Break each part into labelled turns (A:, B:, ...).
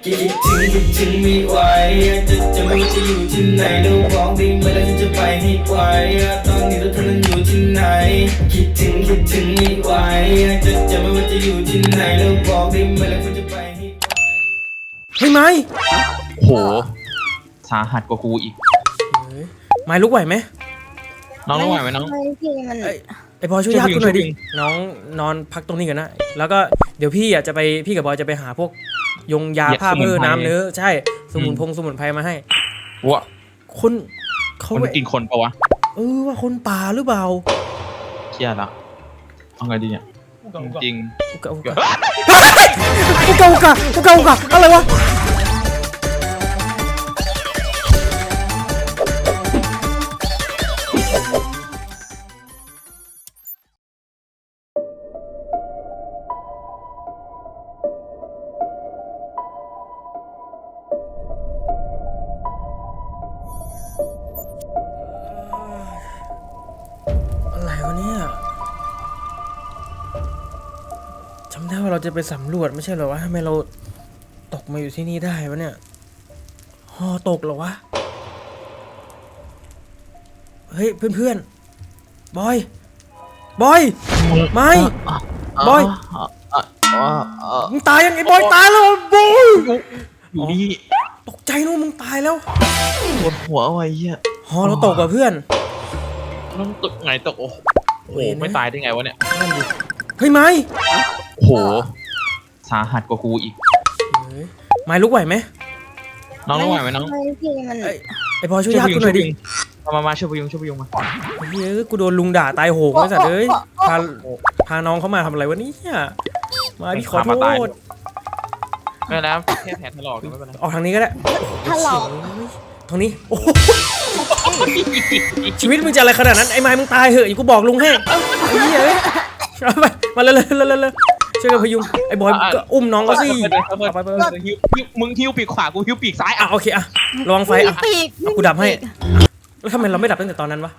A: คิดถึงไม่ไหวจะไม่ว่าจะอยู่ที่ไหนแล้วบอกได้ไหมแล้วฉันจะไปให้ไกลตอนนี้เราเธอนั้นอยู่ที่ไหนคิดถึงไม่ไหวจะไม่ว่าจะอยู่ที่ไหนแล้วบอกได้ไหมแล้วฉันจะไปให้ไกล
B: เฮ้ยไม้
C: โหสาหัสกว่ากูอีก
B: ไม้ลุกไหวไหม
C: น้องลุกไหวไหมน้อง
B: ไอพอช่วยญาติกูหน่อยดิน้องนอนพักตรงนี้กันนะแล้วก็เดี๋ยวพี่จะไปพี่กับบอยจะไปหาพวกยงยาผ้าเพื่อน้ำเนื้อใช่สมุนไพรมาให้
C: วะ
B: คนเขา
C: มันกินคนปะวะ
B: ว่าคนป่าหรือเปล่า
C: เครียดละเอาไงดีเนี่ยจริง
B: อุกะอะไรวะอะไรวะเนี่ยจำได้ว่าเราจะไปสำรวจไม่ใช่เหรอวะทำไมเราตกมาอยู่ที่นี่ได้วะเนี่ยฮอตกเหรอวะเฮ้ยเพื่อนบอยไม่บอยมึงตายยังไงบอยตายแล้วบอย
C: อยู่นี่
B: ตกใจนู้นมึงตายแล้ว
C: ปวดหัวไว้เหี้ย
B: ฮอเราตกว่ะเพื่อน
C: น้องตกไงตกโอ้โหไม่ตายได้ไงวะเนี่ย
B: เฮ้ยไม้
C: โหสาหัสกว่ากูอีก
B: ไม้ลุกไหวไหม
C: น้องลุกไหวไหมน้อง
B: ไอพอช่วยญาติกูหน่อยดิ
C: มาช่วยพยุงมา
B: เฮ้ยกูโดนลุงด่าตายโหงไอ้สัตว์เอ้ยพาน้องเขามาทำอะไรวะเนี่ยมาพี่ขอโทษ
C: ไม่แล้วแค่แผลถลอกไม่เป็นไร
B: ออกทางนี้ก็ได้
D: ถลอก
B: ทางนี้โอ้ชีวิตมึงจะอะไรขนาดนั้นไอ้ไม้มึงตายเหอะอย่ากูบอกลุงให้ไอ้เหี้ยไปมาเลยช่วยกันพยุงไอ้บอยก็อุ้มน้องก็สิไป
C: มึงหิ้วปีกขวากูหิ้วปีกซ้าย
B: โอเคระวังไฟกูดับให้แล้วทำไมเราไม่ดับตั้งแต่ตอนนั้นวะ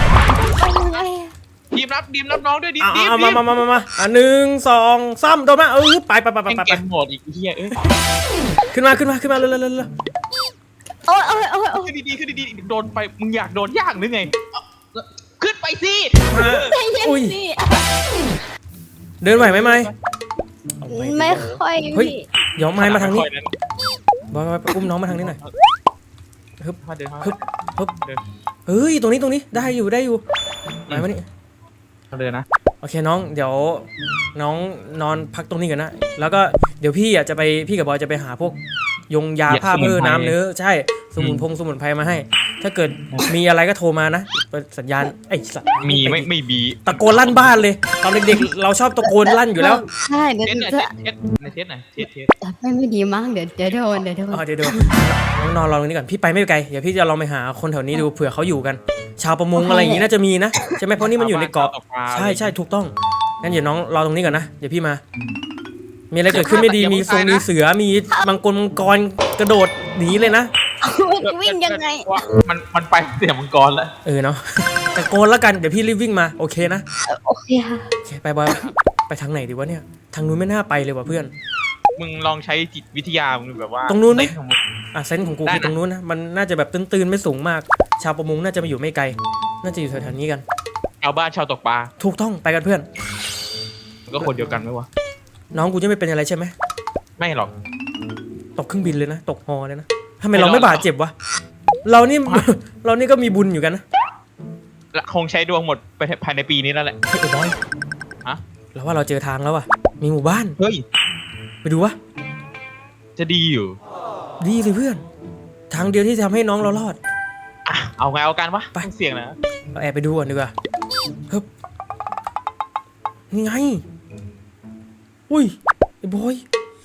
C: ดีมรับน้องด้วยดิ
B: มา1 2 3โดนมาไป
C: เกมโหมดอีกเหี้ย
B: ขึ้นมาเร็ว
D: โอ้ย
C: ขึ้นดีโดนไปมึงอยากโดนย่างหรือไงขึ้นไปสิ
B: อุ้ยเดินไหวไหมไม่
D: ค่อย
B: เฮ้ยเดี๋ยวไม้มาทางนี้บอยอุ้มน้องมาทางนี้หน่อยฮึบเฮ้ยตรงนี้ได้อยู่ไม้มานี่
C: เดินนะ
B: โอเคน้องเดี๋ยวน้องนอนพักตรงนี้กันนะแล้วก็เดี๋ยวพี่จะไปพี่กับบอยจะไปหาพวกยงยาผ้าเพื่อน้ำเนื้อใช่สมุนไพรมาให้ถ้าเกิดมีอะไรก็โทรมานะสัญญาณไอ้สัตว์
C: มีไม่มี
B: ตะโกนลั่นบ้านเลยตอนเด็กๆเราชอบตะโกนลั่นอยู่แล้ว
D: ใช่เดี๋ยว
C: เทส
D: ไม่ดีมากเดี๋ยวโดน
B: น้องนอนรอตรงนี้ก่อนพี่ไปไม่ไกลเดี๋ยวพี่จะลองไปหาคนแถวนี้ดูเผื่อเขาอยู่กันชาวประมงอะไรอย่างงี้น่าจะมีนะใช่ไหมเพราะนี่มันอยู่ในเกาะใช่ถูกต้องงั้นเดี๋ยวน้องรอตรงนี้ก่อนนะเดี๋ยวพี่มามีอะไรเกิดขึ้นไม่ดีมีเสือมีมังกรกระโดดหนีเลยนะ
D: วิ่งยังไง
C: มันไปเสียมังกรแล้ว
B: เนาะแต่โกนแล้วกันเดี๋ยวพี่รีบวิ่งมาโอเคนะ
D: โอเคค่ะ
B: โอเคไปบอยไปทางไหนดีวะเนี่ยทางนู้นไม่น่าไปเลยว่ะเพื่อน
C: มึงลองใช้จิตวิทยามึงแบบว่า
B: ตรงนู้นไหมเซนส์ของกูคือตรงนู้นนะมันน่าจะแบบตื้นไม่สูงมากชาวประมงน่าจะมาอยู่ไม่ไกลน่าจะอยู่แถวๆนี้กัน
C: ชาวบ้านชาวตกปลา
B: ถูกต้องไปกันเพื่อน
C: ก็คนเดียวกันไหมวะ
B: น้องกูจะไม่เป็นอะไรใช่ไหม
C: ไม่หรอก
B: ตกเครื่องบินเลยนะตกฮอเลยนะทำไมเราไม่บาดเจ็บวะเรานี่ก็มีบุญอยู่กันนะ
C: คงใช้ดวงหมดไปภายในปีนี้แล้วแหละ
B: ไอ้บอยเราว่าเราเจอทางแล้วว่ะมีหมู่บ้าน
C: เฮ้ย
B: ไปดูวะ
C: จะดีอยู่
B: ดีสิเพื่อนทางเดียวที่จะทำให้น้องเรารอด
C: เอาไงเอากันวะไปเสี่ยงนะ
B: เราแอบไปดูก่อนดีกว่าเฮ้ยนี่ไงอุ้ยไอ้บอย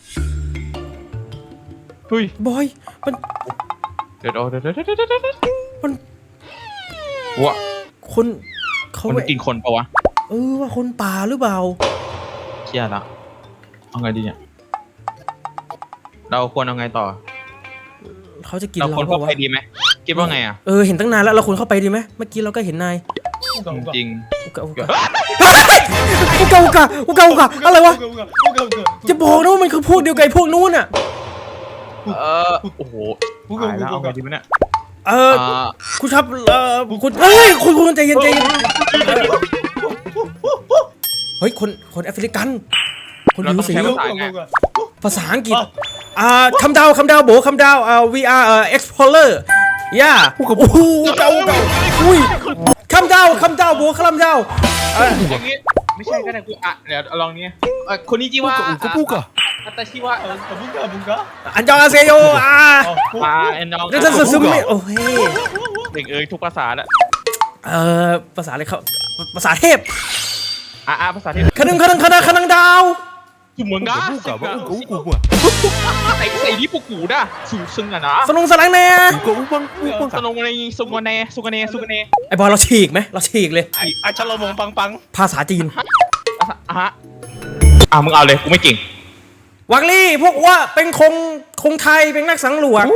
B: บอยมันมัน
C: วะ
B: คนเขา
C: มันกินคนปะวะ
B: ว่าคนป่าหรือเปล่า
C: เครียดละเอาไงดีเนี่ยเราควรเอาไงต่อ
B: เขาจะกินเรา
C: ควรเข้าไปดีไหมคิดว่าไง
B: เห็นตั้งนานแล้วเราควรเข้าไปดีไหมเมื่อกี้เราก็เห็นนาย
C: จริง
B: อุกะอะไรวะจะบอกนะว่ามันคือพวกเดียวกับพวกนู้นอ่ะ
C: โอ้โหตายแล้วเอาไงดีวะเนี่ย
B: คุณครับคุณเฮ้ยคุณใจเย็นเฮ้ยคนแอฟริกันคนผิวสีภาษาอังกฤษคำดาวโบคำดาวwe are explorer ย่าโอ้โหเก่าอุ้ยคำดาวโบคำดาว
C: อย่างงี้ไม่ใช่ก็ได้กูเดี๋ยวลองนี้คนนี้ชื่อว่าแต่ชื่อว่า
A: บุ้งก็
B: อันยองอาเซโย
C: เอ็นน้อง
B: นี่จะซึมไม่โอ้ย
C: เด็กทุกภาษาแล้ว
B: ภาษาอะไรเขาภาษาเทพ
C: ภาษาเทพ
B: คณังดาว
C: เหมือนกันใส่ที่ปุกูด่ะสูซึ่งอะนะ
B: สนงสลังแน่
C: สนงในสุกเน
B: ไอบอลเราฉีกไหมเราฉีกเลย
C: ชะลมงปัง
B: ภาษาจีน
C: มึงเอาเลยกูไม่เก่ง
B: วังลี่พวกว่าเป็นคงไทยเป็นนักสังหลวง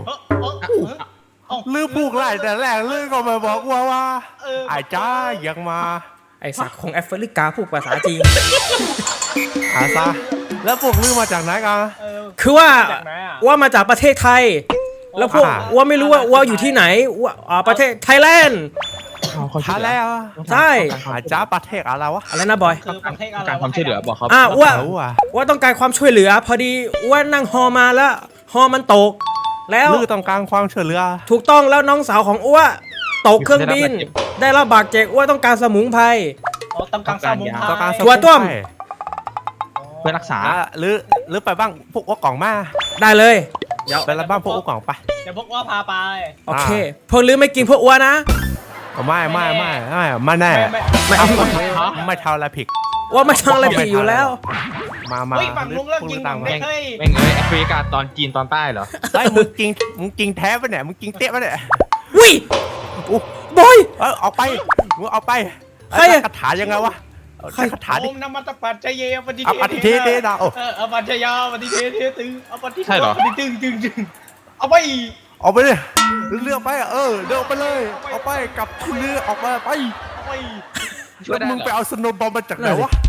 E: ลือพูกไล่แต่แรกลือก็มาบอกว่าไอ้จ้ายังมา
B: ไอ้สักของแอฟริกาพูดภาษาจีน
E: ซะแล้วพวกลือมาจากไหนกัน
B: คือว่ามาจากประเทศไทยแล้วพวกว่าไม่รู้ว่าอยู่ที่ไหนว่าประเทศไทยแลนด์ใช่
E: จ้าประเทศอะไรวะ
B: อะไรนะบอย
C: การความช่วยเหลือบอกเขา
B: ว่าต้องการความช่วยเหลือพอดีว่านั่งฮอมาแล้วฮอมันตกแล้ว
E: ลือต้องการความช่วยเหลือ
B: ถูกต้องแล้วน้องสาวของอ้วตกเครื่องบินได้รับบาดเจ็บอ้วต้องการสมุนไพร
A: ต้องการสมุนไพร
B: ถั่วต้ม
C: เพื่อรักษา
E: หรือไปบ้างพวกอ้วกล่องมา
B: ได้เลย
E: เดี๋ยวไปบ้างพวกอ้วกล่องไป
A: เดี๋ยวพวกอ้วพาไป
B: โอเคพวกลือไม่กินพวกอ้วนะ
E: ไม่แน่ไม่เท่าไรผิด
B: ว่าไม่เท่าไรผิดอยู่แล้ว
E: มา
A: ฝั่งลุงเลิกยิงไม่เคย
C: แม่งแอฟริกาตอนจีนตอนใต้เหรอ
E: ไอ้มึงกิงแท้ปะเนี่ยมึงกิงเตะปะเนี่ย
B: วิบอย
E: ออกไปมึงออกไป
B: ใคร
E: คาถายังไงวะคาถาดิ
A: นมัตปัจจเยปฏิ
E: เทเทดา
A: ปัจจยาปฏิเทตึงปฏิ
C: ใช่เหรอ
A: ปฏิตึงเอาไป
E: เลยเลือกไปเดินไปเลยเอาไปกับเรือออกมาไปแล้วมึงไปเอาสโนว์บอลมาจากไหนวะ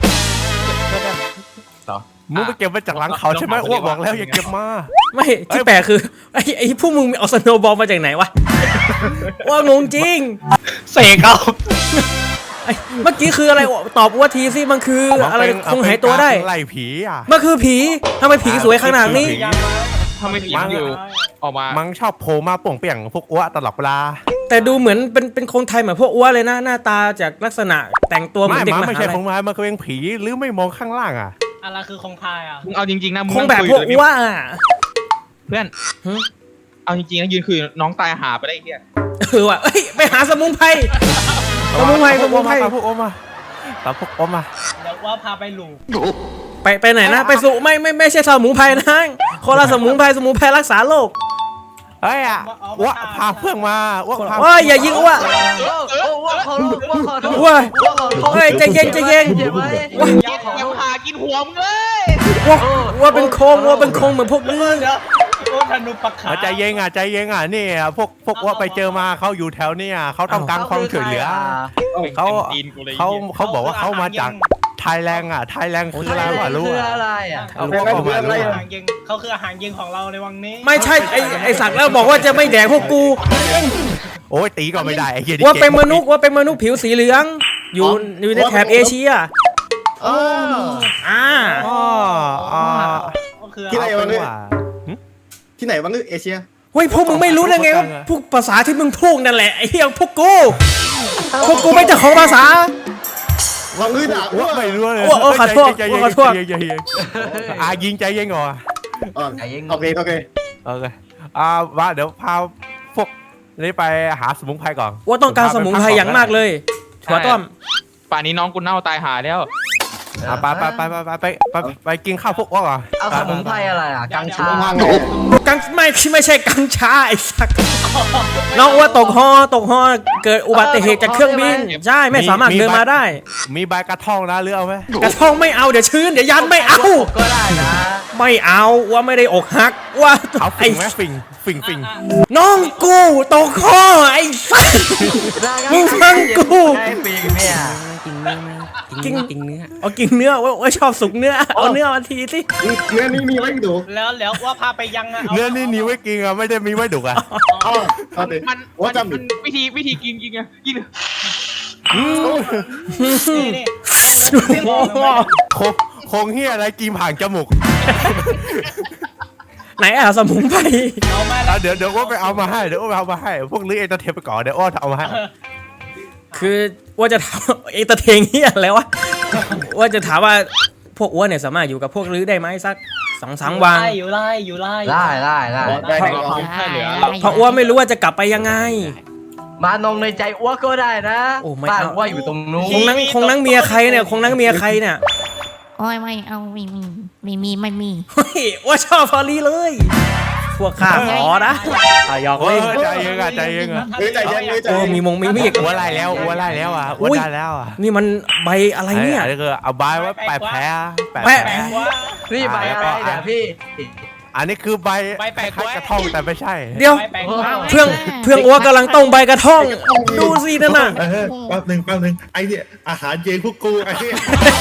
E: มึงไปเก็บมาจากหลังเขาใช่ไหมอ้วกบอกแล้วอย่าเก็บมา
B: ไม่ที่แปลกคือไอ้พวกมึงเอาสโนว์บอลมาจากไหนวะว่างงจริง
E: เสกเอา
B: เมื่อกี้คืออะไรตอบว่าทีสิมันคืออะไรคงหายตัวได้
E: ไล่ผี
B: มันคือผีทำไมผีสวยขนาดนี้
C: ทำไมผีอยู่ออกมา
E: มังชอบโผล่มาป่งเปี่ยงพวกอ้วตลอดเวลา
B: แต่ดูเหมือนเป็นคนไทยเหมือนพวกอ้วเลยนะหน้าตาจากลักษณะแต่งตัวเหมือนเด็กมหาลัย
E: ไม่ใช่คงไทยมันก็เป็นผีหรือไม่มองข้างล่าง
A: อะไรคือคงไทย
C: มึงเอาจริงๆนะมึง
B: คงแบบพวกอ้ว
C: เพื่อนเอาจริงๆนะยืนคุยน้องตายหาไปได้เฮีย
B: ว่ะไปหาสมุนไพรพวกอ้มา
E: พวกอ้มา
A: เดี๋ยวว่าพาไปหลู
B: ไปไหนนะไปสุไม่ใช่สมุนไพรนะคนละสมุนไพรรักษาโรค
E: ว่าพาเพื่อนมา
B: ว่าอย่ายิงว่าใจเย็น
C: หากินหัวมึงเลย
B: ว่าเป็นโคงเหมือนพวกนี้
A: ธนูปักขา
E: ใจเย็นนี่พวกว่าไปเจอมาเขาอยู่แถวนี้เขาต้องการความช่วยเหลือเขาบอกว่าเขามาจากไทยแลนด์ไทยแลนด์คืออะไรวะรู้
A: เขาคืออาหารเย็นของเราในวังนี้
B: ไม่ใช่ไอสักแล้วบอกว่าจะไม่แดกพวกกู
E: โอ้ยตีก็ไม่ได้
B: ว่าเป็นมนุษย์ผิวสีเหลืองอยู่ในแถบเอเชีย
F: ที่ไหนวะเนี่ยที่ไหนวะเนี่ยเอเชีย
B: เฮ้ยพวกมึงไม่รู้ได้ไงว่าพวกภาษาที่มึงพูดนั่นแหละไอ้เหี้ยพวกกูไม่เจ้าของภาษา
F: วังด่า
E: ว่าไม่รู้เลย
B: ขอโทษ
E: ยิงใจเย็นก่อน
F: โอเค
E: ว่าเดี๋ยวพาพวกนี้ไปหาสมุนไพรก่อน
B: ว่าต้องการสมุนไพรอย่างมากเลยถั่วต้ม
C: ป่านนี้น้องกูเน่าตายหาแล้ว
E: ไปกินข้าวพวกอ้วก
G: เอาสมุนไพรอะไรกัญชา
B: ไม่ใช่กัญชาไอ้สักน้องว่าตกฮอเกิดอุบัติเหตุจากเครื่องบินใช่ไม่สามารถเดินมาได้
E: มีใบกระท่องนะหรือเอาไหม
B: กระท่องไม่เอาเดี๋ยวชื้นเดี๋ยวยันไม่เอา
G: ก็ได้นะ
B: ไม่เอาว่าไม่ได้อกหักว่า
E: ไอ้ฟิง
B: น้องกูตกฮอไอ้สักมึงฟังกู
G: ไอ้ฟิงเนี่ย
B: กิ้งเนื้อเอากิ้งเนื้อว่าชอบสุกเนื้อเอาเนื้อมาทีสิ
F: เนื้อนี่มีไว้ดู
H: แล้วว่าพาไปยังอะ
E: เนื้อนี่มีไว้กินอ่ะไม่ได้มีไว้ดุอ่ะ
F: อ๋อเอาดิ
C: มัน
F: ว่าจำดิ
C: วิธีกินไงกิน
H: นี่
E: คงเฮียอะไรกินผ่านจมูก
B: ไหนสมุนไพร
H: เอามาแล้ว
E: เดี๋ยวว่าไปเอามาให้เดี๋ยวว่าไปเอามาให้พวกลื้อเอนเตอร์เทนไปก่อนเดี๋ยวอ้อเอามาให้
B: คือว่าจะถามเอตเทงเฮียแล้ววะว่าจะถามว่าพวกอ้วนเนี่ยสามารถอยู่กับพวกลื้อได้ไหมสัก2-3 วัน
H: อยู่ไล่
G: ได้
F: ได้แน่นอน
B: เพราะอ้วนไม่รู้ว่าจะกลับไปยังไง
G: มานงในใจอ้วก็ได้นะ
B: โอ้ไม่
G: บ้าน
B: เอา
G: อ้วอยู่ตรงนู้น
B: คงนั่งเมียใครเนี่ยคงนั่งเมียใครเนี่ย
D: โอ้ยไม่เอาไม่มี
B: เฮ้ยว่าชอบฟอรี่เลย พวกข้าขอนะหยอก
E: โอ้
B: เล่
E: ย
B: น
E: ใจเย็นอ่ะใจเย็นอ่ะ
F: ใจเย็นเลยใจ
B: โอ้
F: เย็น
B: มีมีด
E: อ้วนไล่แล้วอ้วนไล่แล้วอ่ะอ้วนได้แล้วอ่ะ
B: นี่มันใบอะไรเนี่ย
E: อันนี้คือเอาใบไว้แปะแผล
B: แปะ
H: แปลกว่า
G: นี่ใบอะไรเนี่ยพี่
E: อันนี้คือใบ
H: ใบแปะ
E: คล้ายๆกระท่อมแต่ไม่ใช่
B: เดี๋ยว
H: แปลกว่า
B: เพื่องอ้วกำลังต้มใบกระท่อง ดูสินั่นน่ะ
F: แป๊บหนึ่งไอ้เนี่ยอาหารเย็นพวกกูไอ้เนี่ย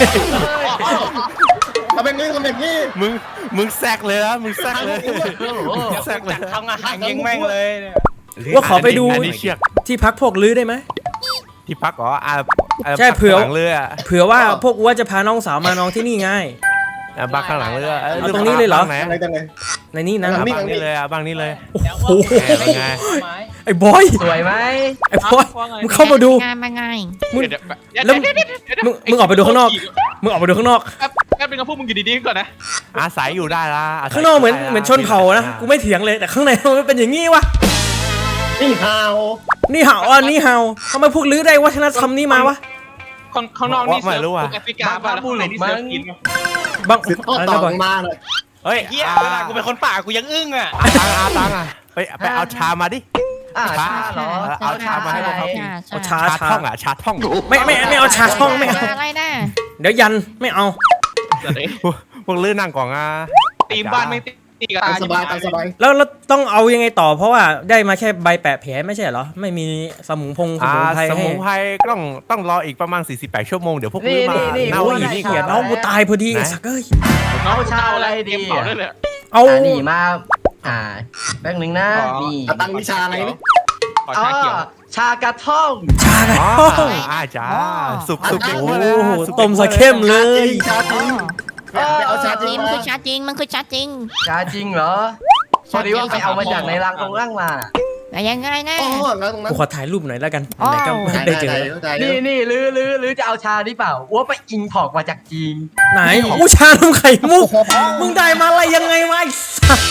F: ทำแบบนี้
E: มึงแซกเลยนะมึงแซกเลยแซกเลย
H: ทำอาหารยังแม่งเลย
B: ว่าขอไปดู
E: อันนี้เชือก
B: ที่พักพวกลื้อได้ไหม
E: ที่พักเหรอ
B: ใช่เผื่อ
E: ข้างหลังเรือ
B: เผื่อว่าพวกอ้วจะพาน้องสาวมานอนที่นี่ไง
E: บ้านข้างหลังเรือ
B: เอาตรงนี้เลยเหรอ
E: บ้างไหน
F: อะไรจังเลย
B: ในนี้นะ
F: หลัง
E: บ้างนี้เลยบ้างนี้เลย
B: โอ้โห
E: ไง
B: ไอ้บอย
G: สวยไหม
B: ไอ้บอยมึงเข้ามาดู
D: ง่าย
B: มึงแล้วมึงออกไปดูข้างนอกมึงออกไปดูข้างนอก
C: แป๊บนึงครับพวกมึงอยู่ดีๆก่อนนะ
E: อาศัยอยู่ได้ละ
B: ข้างนอกเหมือนชนเผ่านะกูไม่เถียงเลยแต่ข้างในมันเป็นอย่างงี้วะ
F: นี่ฮาว
B: นี่เห่านี่เห่าทำไมพวกลื้อได้วัฒนธรรมนี้มาวะ
C: ข้างนอกนี่เซิร์ฟพวกแอฟริกาป่ะแล้วข้างในนี่เซิร์ฟกิน
B: บาง
F: สืบทอด
B: อะไร
F: ต่อ
B: นะบอย
F: มาเลย
E: เฮ้ย
H: เฮียเวลากูเป็นคนป่ากูยังอึ้งอ่ะ
E: ตังอ่ะไปเอาชามาดิ
G: ชาเหรอ
E: เอาชามาให้พวกเขากิน
B: เอาชา
E: ชาท่องอ่ะชาท่อง
B: ไม่เอาชาช่องไม่เอา
D: อะไรนะ
B: เดี๋ยวยันไม่เอา
E: พวกลื้อนั่งก่อนอ่ะ
C: ตีมบ้านไม่ตีกัน
F: ตามสบายตามสบาย
B: แล้วต้องเอายังไงต่อเพราะว่าได้มาแค่ใบแปะแผลไม่ใช่เหรอไม่มีสมุนไพร
E: ส
B: ให้
E: มุนไพรต้องรออีกประมาณ48 ชั่วโมงเดี๋ยวพวกลื้อมาเน่า
B: โอ้ย
E: อีก
B: นี่เกียดน้องกูตายพอดีไอ้สักเอ้ย
G: เอาชาอะไรดี
C: เผาได้เลย
B: เอา
G: นี่มาแป๊บนึงนะนี่
F: ตั้งวิชาอะไรนี่
C: ขอชาเขียว
G: ชากระท่อง
B: ชาไง
E: อ๋อจ้าสุกเด็ก
B: โอ้
E: มาแล้ว
B: โหต้มซะเข้มเลย
F: ชาจริงเอาชาจริง
D: มัน
F: มา
D: คือชาจริงมันคือชาจริง
G: ชาจริงเหรอพอดีว่าไปเอามาจากในรังตรงล่างมา
D: แต่ยังไงนะ
F: อ๋อแล้วตรงนั้น
B: กูขอถ่ายรูปหน่อยแล้วกัน
D: อ๋อ
B: ไหนก็ได้เจอ
G: นี่ลือจะเอาชานี่เปล่าอ้วไปอิงพอกมาจากจีน
B: ไหนอู้ชานมไข่มุกมึงได้มาอะไรยังไงวะไอ้สัส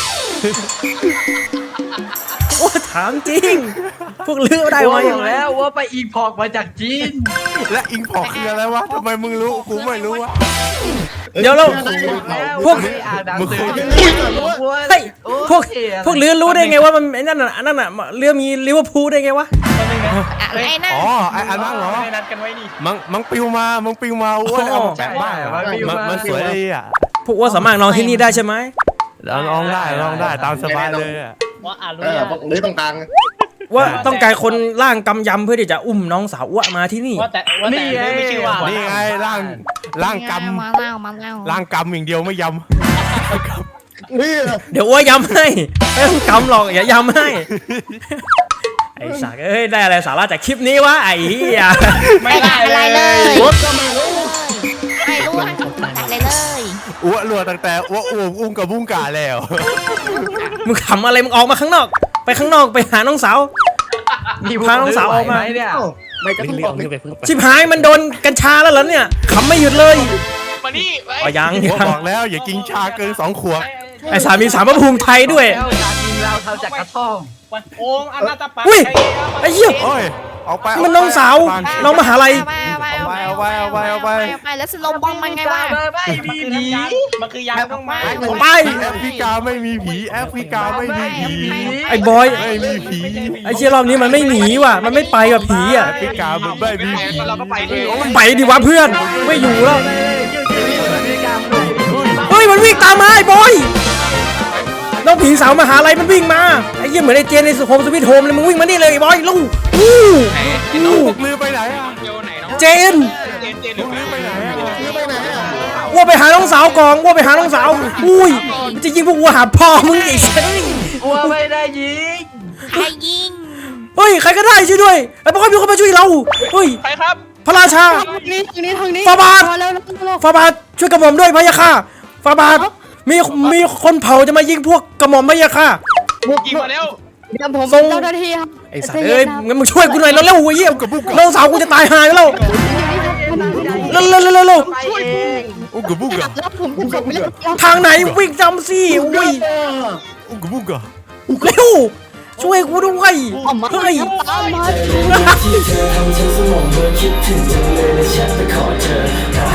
B: โอ้ถามจริง พวกลื้อได้
G: อ้ว
B: มา
G: อ
B: ยั
G: ยู่
B: งไง
G: แล้วอ้วไปอิงพอกมาจากจีน
E: และอิงพอกคืออะไรวะทำไมมึงรู้กูไม่รู้วะ
B: เดี๋ยวเราพวก
G: อ่านหนังสือ
B: เฮ้ยพวกลื้อรู้ได้ไงว่ามันไอ้นั่นน่ะเรือมีลิเวอร์พูลได้ไงวะ
D: อะไรนะ
E: อ๋อไอ้อันนั้นเหรอ
H: ไม่นัดกันไว้นี่
E: มังปิวมาอ้วนเอามาแปะบ้านมันสวยดีอ่ะ
B: พวกว่าสามารถนอนที่นี่ได้ใช่ไหม
E: ลองได้ตามสบายเลยอ่ะ
H: ว่ารู้
F: หรือตรงกลาง
B: ว่าต้องการคนร่างกำยำเพื่อที่จะอุ้มน้องสาวอ้วมาที่นี่
H: ว่าแต่ไม่ชื่อว่า
E: นี่ไงร่างกำ
D: มาเล่า
E: ร่างกำอย่างเดียวไม่ย
F: นี่
B: เดี๋ยวอ้วยำให้ไม่ต้องกำหรอกอย่ายำให้ ไอ้สักเอ้ยได้อะไรสาระจากคลิปนี้วะไอ้เหี้ย
D: ไม่ได้อะไรเลย
F: รถก็ไม่รู้
D: ไม่รู้อะไรเลย
E: ำอ้วรัวตั้งแต่อ้วอุ้มกับบุ้งกาแล้ว
B: มึงขำอะไรมึงออกมาข้างนอก ไปข้างนอกไปหาน้องสาว พาน้องสาวออกมา
G: เนี่ย
F: ไม่จะต้องบอกเลย
B: ชิบหายมันโดนกัญชาแล้วเหรอเนี่ยขำไม่หยุดเลย
C: มานี่
B: อ๋อยัง
E: อ้วบอกแล้วอย่ากินชาเกิน2 ขวด
B: ไอ้สามีสามพระภูมิไทยด้วย
G: แล้วชาจริงเราทำจากกระท่อม
H: วันโอ่งอนาตาปา
B: อุ้ยไอ้เหี้ย
E: โอ้ยออกไป
B: มันน้องสาวน้องมหาลัย
D: ไปแล้วสโนว์บอมมันไงวะ
G: ไม่มีผี
H: มันคือยาต้องไม้
B: ไป
E: แอฟริกาไม่มีผีแอฟริกาไม่มีผี
B: ไอ้บอย
E: ไม่มีผี
B: ไอ้เชี่ยรอบนี้มันไม่หนีว่ะมันไม่ไปกับผีอ่ะ
E: แอฟริกามันไม่มีผี
C: เราก็ไปดิ
B: ไปดิวะเพื่อนไม่อยู่แล้วเฮ้ยมันวิ่งตามมาไอ้บอยน้องผีสาวมหาลัยมันวิ่งมาไอ้เหี้ยเหมือนไอ้เจนในโฮมสวิตโฮมเลยมึงวิ่งมานี่เลยไอ้บอยลูก
E: พวกลือไปไหนอ่ะ
C: เดียวไหนน้อง
B: เจน
C: เจนหรือ
E: ลือไปไหน
B: ว่าไปหาน้องสาวก่อนว่าไปหาน้องสาวอุ้ยมันจะยิงพวกวัวหาพ่อมึงอีก
G: อัวไม่ได้ยิง
D: ใครยิง
B: เฮ้ยใครก็ได้ช่วยด้วยไอ้พวกเขามีคนมาช่วยเราเฮ้ย
H: ใครครับ
B: พระราชา
I: ทางนี้
B: ฟาบาท
I: มาแล้ว
B: ฟาบาทช่วยกระหม่อมด้วยพะยะค่ะฟาบาทมีคนเผาจะมายิงพวกกระหม่อมพะยะค่ะ
H: ยิงมาแล้ว
I: เดี๋ยวผม
B: ส่ง
I: เจ้าหน้าที่ครับ
B: ไอ้สัตว์เอ้ยงั้นมึงช่วยกูหน่อยแล้วเร็วๆเยี่ยมน้องสาวกูจะตายหายแล้วเร็วเร็ว
G: ไปเอง
E: อุกบุกอะ
I: แล้วผมจะไม่ได้
B: ทางไหนวิ่งจำสิอุ้ย
E: อุกบุกอะ
B: เร็วช่วยกูด้วยเฮ้ย
A: ที่เธอทำฉันสมองเบอร์คิดถึงจังเลยและแชทไปขอเจอ